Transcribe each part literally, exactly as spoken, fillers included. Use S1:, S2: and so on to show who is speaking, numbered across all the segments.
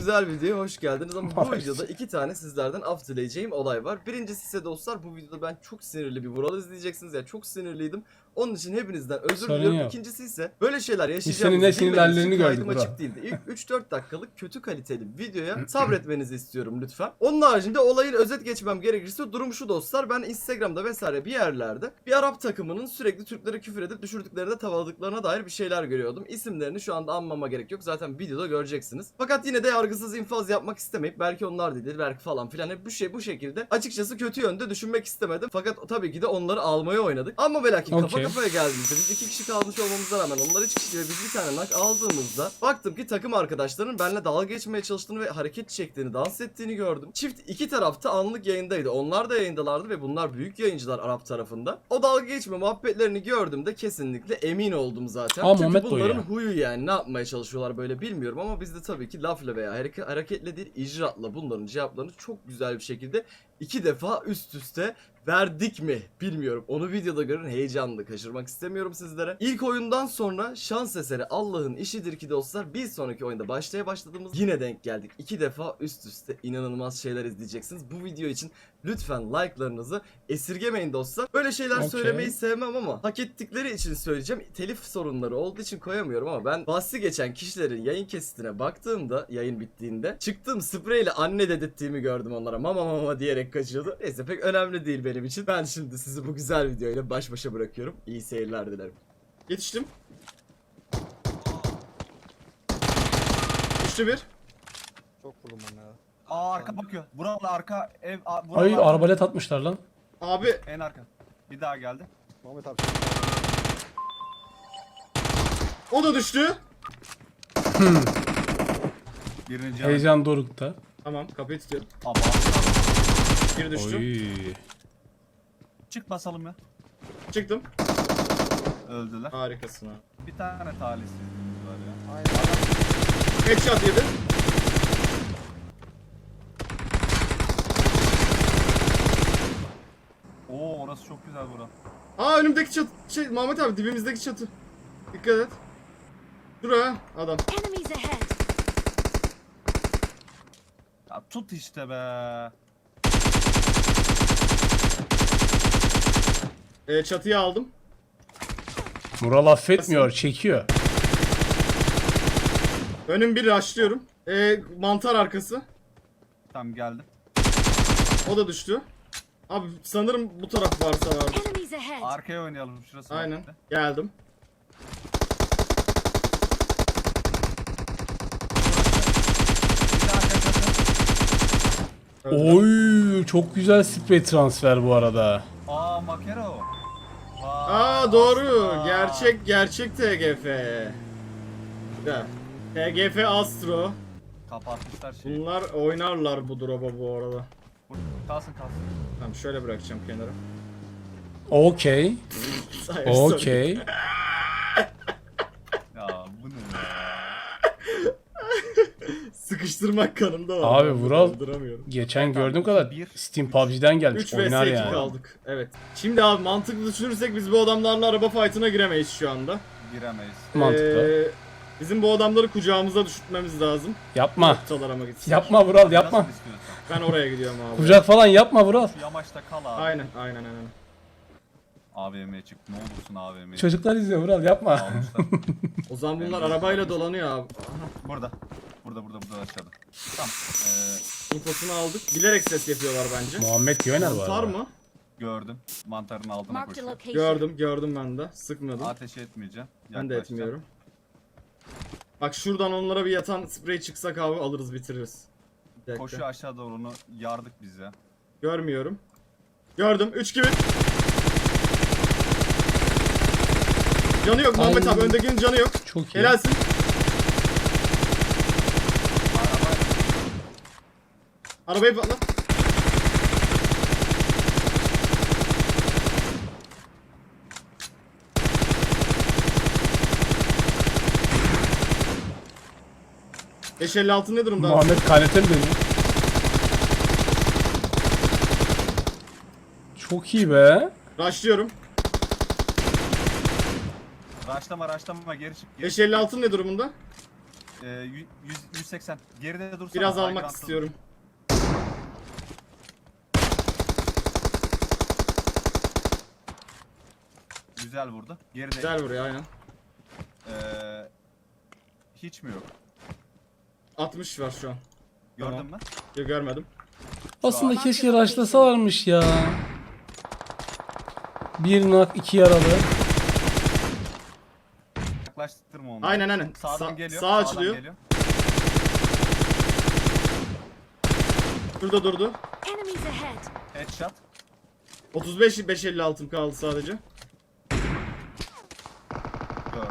S1: güzel videoya hoş geldiniz ama bu
S2: Maalesef.
S1: videoda iki tane sizlerden af dileyeceğim olay var. Birincisi ise dostlar, bu videoda ben çok sinirli bir Vural izleyeceksiniz. Yani çok sinirliydim. Onun için hepinizden özür
S2: Sorun
S1: diliyorum.
S2: yok.
S1: İkinci ise böyle şeyler
S2: Biz senin
S1: yaşayacağımızı
S2: ne
S1: bilmediğiniz
S2: sinirlerini
S1: için kaydım
S2: gördük
S1: açık
S2: Vural.
S1: değildi. İlk üç dört dakikalık kötü kaliteli videoya sabretmenizi istiyorum lütfen. Onun haricinde olayın özet geçmem gerekirse durum şu dostlar. Ben Instagram'da vesaire bir yerlerde bir Arap takımının sürekli Türklere küfür edip düşürdüklerinde tavaladıklarına dair bir şeyler görüyordum. İsimlerini şu anda anmama gerek yok. Zaten videoda göreceksiniz. Fakat yine de yargısız infaz yapmak istemeyip belki onlar değildir, belki falan filan hep bu şey bu şekilde açıkçası kötü yönde düşünmek istemedim. Fakat tabii ki de onları almaya oynadık. Ama ve lakin kafa
S2: Okey.
S1: kafaya geldiğimizde biz iki kişi kalmış olmamıza rağmen onlar üç kişi ve biz bir tane nak aldığımızda baktım ki takım arkadaşlarının benimle dalga geçmeye çalıştığını ve hareket çektiğini, dans ettiğini gördüm. Çift iki tarafta anlık yayındaydı. Onlar da yayındalardı ve bunlar büyük yayıncılar Arap tarafında. O dalga geçme muhabbetlerini gördüğümde kesinlikle emin oldum zaten.
S2: Aa,
S1: Çünkü
S2: Muhammed de
S1: bunların
S2: ya.
S1: huyu yani ne yapmaya çalışıyorlar böyle bilmiyorum ama biz de tabii ki lafla veya hareke- hareketle değil icraatla bunların cevaplarını çok güzel bir şekilde iki defa üst üste verdik mi bilmiyorum. Onu videoda görün, heyecanlı kaçırmak istemiyorum sizlere. İlk oyundan sonra şans eseri Allah'ın işidir ki dostlar bir sonraki oyunda başlaya başladığımız yine denk geldik. İki defa üst üste inanılmaz şeyler izleyeceksiniz. Bu video için lütfen like'larınızı esirgemeyin dostlar. Böyle şeyler
S2: Okey.
S1: söylemeyi sevmem ama hak ettikleri için söyleyeceğim. Telif sorunları olduğu için koyamıyorum ama ben bahsi geçen kişilerin yayın kesitine baktığımda, yayın bittiğinde çıktığım spreyle anne dedirttiğimi gördüm onlara. Mama mama diyerek kaçıyordu. Neyse pek önemli değil benim için. Ben şimdi sizi bu güzel videoyla baş başa bırakıyorum. İyi seyirler dilerim. Yetiştim. Düştü bir.
S3: Çok vurdum ben ya.
S4: Aa arka bakıyor. Buralı arka ev. a- buralı
S2: Ay
S4: arka.
S2: arbalet atmışlar lan.
S1: Abi
S4: En arka. Bir daha geldi.
S3: Muhammed abi.
S1: o da düştü.
S4: Birinci Heyecan.
S2: Heyecan dorukta.
S1: Tamam kapıyı tutuyorum.
S4: Ama
S1: Bir düştü.
S2: Oy.
S4: çık basalım ya.
S1: Çıktım.
S4: Öldüler.
S1: Harikasın ha.
S4: Bir tane talihsizliğimiz var ya.
S3: Aynen.
S1: Headshot yedi.
S4: Oo orası çok güzel bura.
S1: Aa önümdeki çatı. Şey Muhammed abi dibimizdeki çatı. Dikkat et. Şuraya adam.
S5: Enemies ahead!
S4: Ya tut işte be.
S1: Ee, çatıyı aldım.
S2: Mural affetmiyor, çekiyor.
S1: Önüm bir rushlıyorum. Ee, mantar arkası.
S4: Tamam geldim.
S1: O da düştü. Abi sanırım bu taraf varsa var.
S5: Enemies ahead!
S4: Arkaya oynayalım şurası.
S1: Aynen.
S4: var.
S1: Geldim.
S4: Bir daha arkaya bakın.
S1: Öldüm.
S2: Oy, çok güzel sprey transfer bu arada.
S4: Aa makero. Vay,
S1: Aa doğru.
S4: aslan.
S1: Gerçek gerçek T G F. Güzel. T G F Astro.
S4: Kapatmışlar şeyi.
S1: Bunlar oynarlar bu drop'a bu arada.
S4: Vur, Kalsın kalsın.
S1: Tamam şöyle bırakacağım kenara.
S2: Okey.
S1: Hayır, sorry.
S2: Okey.
S4: Ya bu ne ya?
S1: Sıkıştırmak kanımda var.
S2: Abi
S1: Ben
S2: Vural
S1: kaldıramıyorum.
S2: geçen gördüğüm kadar
S4: bir,
S2: Steam P U B G'den gelmiş.
S1: üç
S2: Oynar
S1: vs iki
S2: yani.
S1: kaldık. Evet. Şimdi abi mantıklı düşünürsek biz bu adamlarla araba fight'ına giremeyiz şu anda.
S4: Giremeyiz.
S2: Mantıklı.
S1: Ee, bizim bu adamları kucağımıza düşürtmemiz lazım.
S2: Yapma.
S1: Noktalara mı gitsin?
S2: Yapma Vural, yapma.
S4: Nasıl istiyorsan.
S1: Ben oraya gidiyorum abi.
S2: Kucak falan yapma Vural.
S4: Şu yamaçta kal abi.
S1: Aynen aynen aynen.
S4: A V M'ye çık. Ne olursun A V M'ye.
S2: Çocuklar izliyor Vural, yapma.
S4: Almışlar.
S1: O zaman bunlar
S4: Evet.
S1: arabayla dolanıyor abi.
S4: Burada. Burada burada burada aşağıda. Tamam. Ee,
S1: İnfosunu aldık. Bilerek ses yapıyorlar bence.
S2: Muhammed iyi oynar bu
S1: Mantar
S2: arada.
S1: mı?
S4: gördüm. Mantarın altına
S5: Marked a
S4: koşuyor.
S5: location.
S1: Gördüm gördüm ben de. Sıkmadım.
S4: Ateş etmeyeceğim.
S1: Ben de
S4: Yaklaşacağım.
S1: etmiyorum. Bak şuradan onlara bir yatan sprey çıksak abi alırız bitiririz. Bir dakika.
S4: Koşuyor aşağı doğru onu yardık biz ya.
S1: Görmüyorum. Gördüm. üç gibi. Canı yok Muhammed
S2: Ay.
S1: abi. Öndekinin canı yok.
S2: Çok iyi.
S1: Helalsin.
S4: Araba
S1: Arabayı patlat. beş elli altı ne durumda?
S2: Muhammed kanete mi dönüyor? Çok iyi be.
S1: Rushlıyorum.
S4: raşlama raşlama geri çık. Geri.
S1: beş elli altı ne durumunda?
S4: Ee, yüz, yüz seksen. Geride dursana.
S1: Biraz
S4: high
S1: almak
S4: ground'da
S1: istiyorum.
S4: dur. Güzel vurdu. Geride.
S1: Güzel vuruyor aynen.
S4: Ee, hiç mi yok?
S1: altmış var şu an.
S4: Gördün
S1: Tamam.
S4: mü?
S1: Yok, görmedim.
S2: Aslında keşke rushlasalarmış ya. Bir nak iki yaralı.
S4: Yaklaştırma onu.
S1: Aynen aynen.
S4: Sağdan
S1: Sa-
S4: geliyor.
S1: Sağ
S4: sağdan
S1: açılıyor.
S4: Geliyor.
S1: Şurada durdu.
S5: Enemies ahead.
S4: Headshot.
S1: otuz beş beş elli altım kaldı sadece.
S4: Gördüm.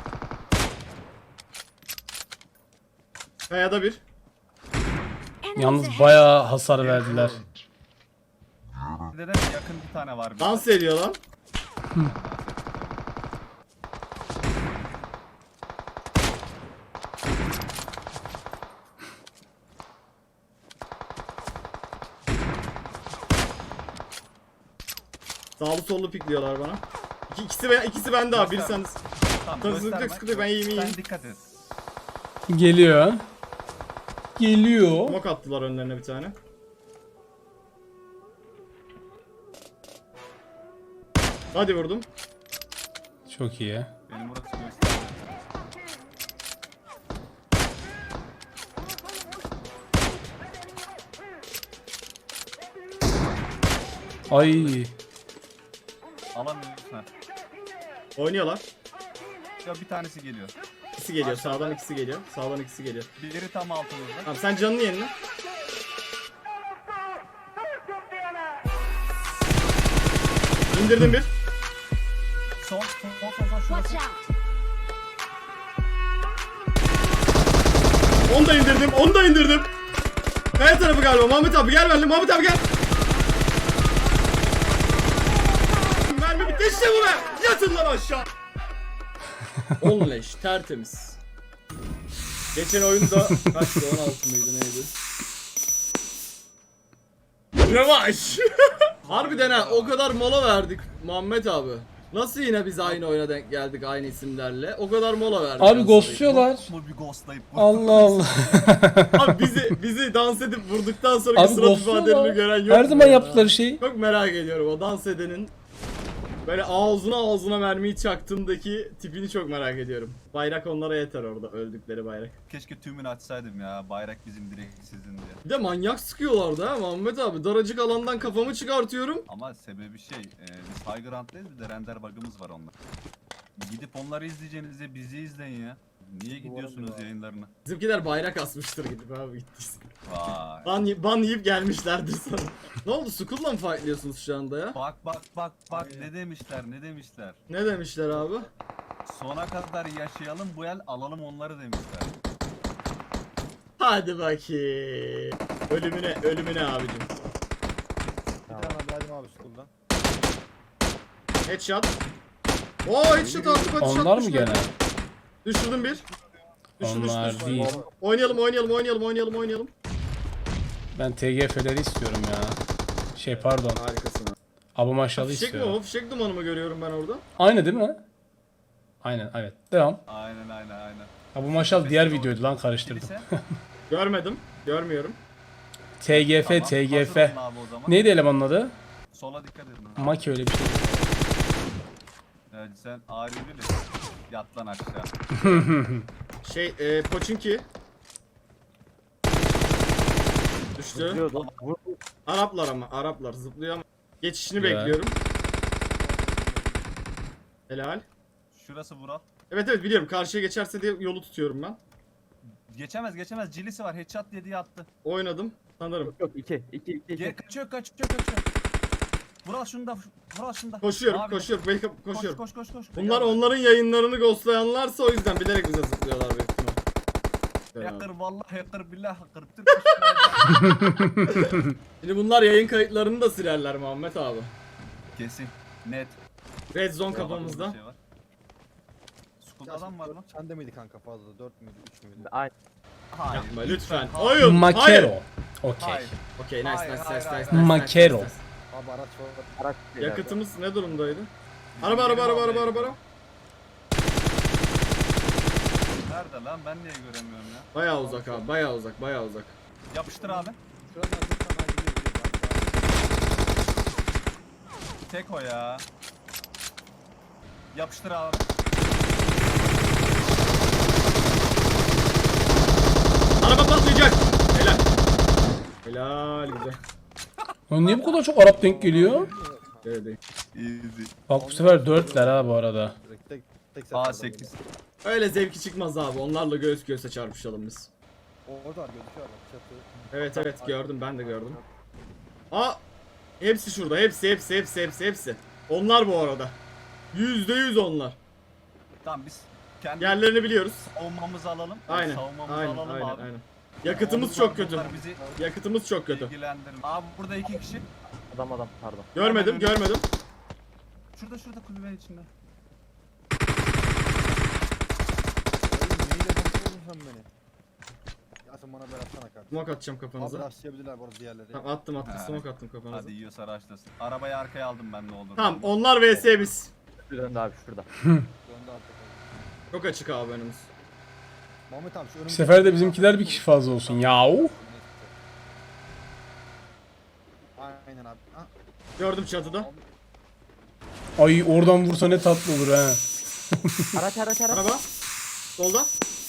S1: Kayada bir.
S5: Enemies
S2: Yalnız
S5: ahead.
S2: bayağı hasar verdiler.
S4: Neden yakın bir tane var.
S1: Dans ediyor lan. Sağlı sollu pikliyorlar bana. İki, ikisi, ben, ikisi bende abi. Biri sen.
S4: Tamam,
S1: Tabii, sıkıntı yok,
S4: gösterme.
S1: sıkıntı yok. Ben iyiyim, iyiyim.
S4: Sen dikkat et.
S2: Geliyor. Geliyor.
S1: Mok attılar önlerine bir tane. Hadi vurdum.
S2: Çok iyi.
S4: Benim burası göster.
S2: Ay.
S4: Alamıyorsun. Ha.
S1: Oynuyorlar.
S4: Ya bir tanesi geliyor.
S1: İkisi geliyor. Sağdan ikisi geliyor. Sağdan ikisi geliyor.
S4: Biri tam altımızda.
S1: Tamam, sen canını yenile. İndirdim bir.
S4: Son, son, son, son, son.
S5: Watch
S4: Şurası.
S5: out.
S1: Onu da indirdim. Onu da indirdim. Kaya tarafı galiba. Mahmut abi gel benimle. Mahmut abi gel. Mermi bitti. İşte bu be. Yatın lan aşağı. on leş. Tertemiz. Geçen oyunda kaçtı? on altı mıydı neydi? Rövanş. Harbiden ha, o kadar mola verdik Muhammed abi. Nasıl yine biz aynı oyuna denk geldik aynı isimlerle? O kadar mola verdik.
S2: Abi
S1: aslında.
S2: ghostluyorlar.
S4: Bu bir ghostlayıp.
S2: Allah Allah.
S1: Abi bizi bizi dans edip vurduktan sonraki
S2: Abi
S1: surat ifadelerini
S2: ghostluyorlar.
S1: gören yok
S2: Her
S1: mu
S2: zaman
S1: ya?
S2: yaptıkları şey.
S1: Çok merak ediyorum o dans edenin böyle ağzına ağzına mermiyi çaktığındaki tipini çok merak ediyorum. Bayrak onlara yeter orada, öldükleri bayrak.
S4: Keşke tümünü açsaydım ya. Bayrak bizim direkt sizin diye.
S1: Bir de manyak sıkıyorlardı ha Muhammed abi. Daracık alandan kafamı çıkartıyorum.
S4: Ama sebebi şey, e, biz high ground'dayız, bir de render bug'ımız var onlar. Gidip onları izleyeceğinize bizi izleyin ya. Niye gidiyorsunuz yayınlarına?
S1: Bizimkiler bayrak asmıştır gidip abi gittiyse.
S4: Vay.
S1: Ban, y- ban yiyip gelmişlerdir sana. Ne oldu? Skull'la mı fightlıyorsunuz şu anda ya?
S4: Bak bak bak bak ne demişler ne demişler.
S1: Ne demişler abi?
S4: Sona kadar yaşayalım bu el alalım onları demişler.
S1: Hadi bakayım. Ölümüne, ölümüne abicim.
S3: Bir tane verdim abi school'dan.
S1: Headshot. Oo headshot attık, headshot
S2: Onlar mı
S1: düşmedi.
S2: gene?
S1: Düşürdüm bir. Düştü, düştü,
S2: Onlar
S1: düştü.
S2: değil.
S1: Oynayalım, oynayalım, oynayalım, oynayalım, oynayalım.
S2: Ben T G F'leri istiyorum ya. Şey pardon.
S1: Harikasın abi.
S2: Abu Maşalı
S1: Fişek mi
S2: istiyorum.
S1: o? Fişek dumanı mı görüyorum ben orada?
S2: Aynı değil mi? Aynen evet. Devam.
S4: Aynen aynen aynen.
S2: Abu Maşal diğer videoydu lan karıştırdım.
S4: Kilise.
S1: Görmedim. Görmüyorum.
S2: T G F,
S4: Tamam,
S2: T G
S4: hazır
S2: F.
S4: olun abi o zaman.
S2: Neydi elemanın adı?
S4: Sola dikkat edin.
S2: Maki öyle bir şey.
S4: Evet, sen ağrı bilir. Yat lan aşağı.
S1: Şey, e, Pochinki. Düştü.
S3: Zıplıyordu. Vur.
S1: Araplar ama, Araplar zıplıyor ama. Geçişini
S2: Güzel.
S1: bekliyorum. Helal.
S4: Şurası Vural.
S1: Evet evet biliyorum, karşıya geçerse diye yolu tutuyorum ben.
S4: Geçemez geçemez. Cilisi var. Headshot dediği attı.
S1: Oynadım sanırım.
S3: Yok iki. iki iki
S4: Gel
S3: iki.
S4: kaçıyor kaçıyor kaçıyor. Vural şunda. Vural şunda.
S1: Koşuyorum,
S4: Abi,
S1: koşuyorum, belki koşuyorum.
S4: Koş koş koş koş.
S1: Bunlar onların yayınlarını ghostlayanlarsa o yüzden bilerek bize zıplıyorlar büyük ihtimal.
S4: Hacker vallahi hacker billah hacker. Türk
S1: Şimdi bunlar yayın kayıtlarını da silerler Muhammed abi.
S4: Kesin. Net.
S1: Red zone
S4: Burada
S1: kafamızda.
S4: şey var. School'da adam var lan.
S3: Sende miydi kanka fazla? Dört müydü? Üç müydü?
S6: Aynen.
S4: Hayır.
S1: Yapma lütfen.
S4: Hayır.
S1: Oyun.
S2: Makero.
S1: Hayır.
S2: Okey.
S4: Hayır.
S1: Okey, nice, nice,
S4: Hayır,
S1: nice,
S4: hayır,
S1: nice,
S4: hayır.
S1: nice, nice,
S2: Makero.
S1: nice, nice.
S3: Abi araç var.
S6: Araç değil abi.
S1: Yakıtımız ne durumdaydı?
S4: Bizim
S1: Araba, araba,
S4: yeni
S1: araba, araba,
S4: muhabbet.
S1: araba, araba.
S4: Nerede lan? Ben niye göremiyorum ya?
S1: Bayağı uzak abi, bayağı uzak, bayağı uzak.
S4: Yapıştır abi.
S3: Şuradan şuradan gidiyor gidiyor.
S4: Tek o ya. Yapıştır abi.
S1: Araba patlayacak. Helal. Helal güzel.
S2: Lan niye bu kadar çok Arap denk geliyor?
S1: Evet, evet.
S4: Easy.
S2: Bak bu sefer dörtler ha bu arada.
S3: Direkt tek tek
S4: A
S3: seferden
S4: sekiz.
S1: Öyle zevki çıkmaz abi. Onlarla göğüs göğüse çarpışalım biz.
S3: böyle. Orada var gözüküyor bak çatı.
S1: Evet evet gördüm, ben de gördüm. Aa! Hepsi şurada. Hepsi hepsi hepsi hepsi hepsi. Onlar bu arada. Yüzde yüz onlar.
S4: Tamam biz kendi
S1: Yerlerini biliyoruz.
S4: savunmamızı alalım.
S1: Aynen.
S4: Savunmamızı
S1: Aynen
S4: alalım
S1: aynen
S4: abi.
S1: aynen. Yakıtımız
S4: Onlar-
S1: çok kötü.
S4: bunlar bizi
S1: Yakıtımız çok kötü.
S4: ilgilendirmiyor. Abi burada iki kişi.
S3: Adam adam pardon.
S1: Görmedim
S4: Hemen önü.
S1: görmedim.
S4: Şurada şurada kulübenin içinde.
S3: Oğlum neyle konuşuyorsun sen beni? Ya sen bana bir atsana kardeşim.
S1: Smoke atacağım
S3: Abi
S1: kafanıza.
S3: rastlayabilirler bu arada diğerleri.
S1: Tamam attım attım,
S4: Ha.
S1: smoke attım kafanıza.
S4: Hadi yiyorsa araçlasın. Arabayı arkaya aldım ben ne olur.
S1: Tamam onlar vs biz.
S6: Şuradan da abi şurada.
S3: Döndü artık.
S1: Çok açık abi önümüz.
S3: Muhammed abi şu
S2: Bu
S3: önümüzdeki-
S2: sefer de bizimkiler bir kişi fazla olsun. Yahu.
S3: Aynen abi. Ha,
S1: Gördüm çatıda.
S2: Ay oradan vursa ne tatlı olur ha.
S6: Araç araç araç.
S1: Araba. Solda.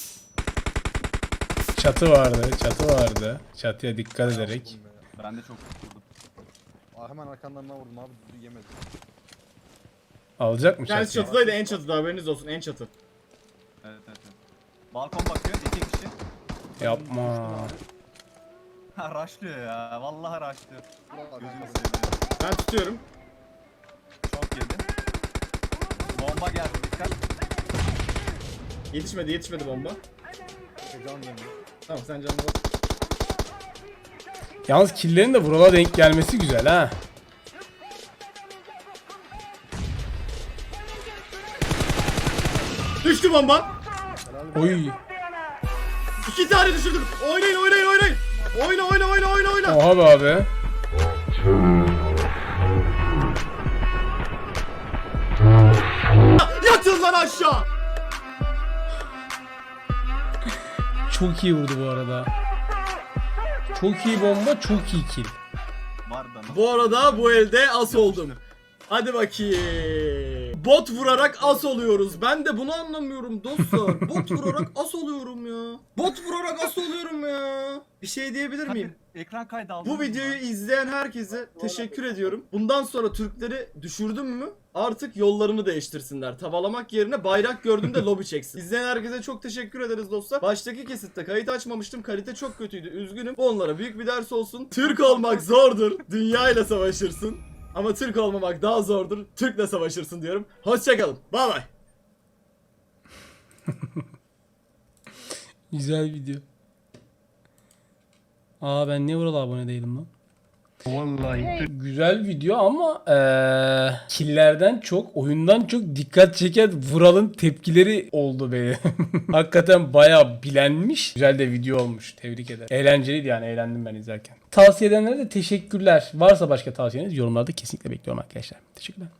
S2: Çatı vardı, çatı vardı. Çatıya dikkat ederek.
S3: vurdum be.
S4: Ben de çok vurdum.
S3: Aa, hemen arkandan ben vurdum abi düzgün yemedim.
S2: Alacak mı
S1: Kendisi
S2: çatıyı?
S1: çatıdaydı, en çatıda, haberiniz olsun, en çatı.
S4: Evet evet evet. Balkon bakıyor iki kişi.
S2: Yapma.
S4: Ha rushlıyor ya. Vallahi rushlıyor.
S3: Buralar
S4: Gözünü
S3: kanka.
S4: seveyim.
S1: Ben tutuyorum.
S4: Çok yedi. Bomba geldi dikkat.
S1: Yetişmedi yetişmedi bomba.
S3: Şey, Can dönüyor.
S1: Tamam sen canına bak.
S2: Yalnız killerin de vurala denk gelmesi güzel ha.
S1: Düştü bomba.
S2: Oy.
S1: İki tane düşürdüm. Oynayın oynayın oynayın. Oyna oyna oyna oyna oyna.
S2: Oha be abi.
S1: Yatın lan aşağı.
S2: Çok iyi vurdu bu arada. Çok iyi bomba, çok iyi kill.
S4: Var da nasıl?
S1: Bu arada bu elde as oldum. Hadi bakayım. Bot vurarak as oluyoruz. Ben de bunu anlamıyorum dostlar. Bot vurarak as oluyorum ya. Bot vurarak as oluyorum ya. Bir şey diyebilir miyim?
S4: Hadi, ekran kaydı aldım.
S1: Bu videoyu izleyen herkese teşekkür ediyorum. Bundan sonra Türkleri düşürdüm mü artık yollarını değiştirsinler. Tavalamak yerine bayrak gördüğünde lobi çeksin. İzleyen herkese çok teşekkür ederiz dostlar. Baştaki kesitte kayıt açmamıştım. Kalite çok kötüydü. Üzgünüm. Bu onlara büyük bir ders olsun. Türk olmak zordur. Dünya ile savaşırsın. Ama Türk olmamak daha zordur. Türk'le savaşırsın diyorum. Hoşçakalın. Bay bay.
S2: Güzel video. Aa ben niye buralı abone değilim lan? Vallahi güzel video ama eee killerden çok, oyundan çok dikkat çeken Vural'ın tepkileri oldu benim. Hakikaten bayağı bilenmiş. Güzel de video olmuş. Tebrik ederim. Eğlenceliydi yani, eğlendim ben izlerken. Tavsiye edenlere de teşekkürler. Varsa başka tavsiyeniz yorumlarda kesinlikle bekliyorum arkadaşlar. Teşekkürler.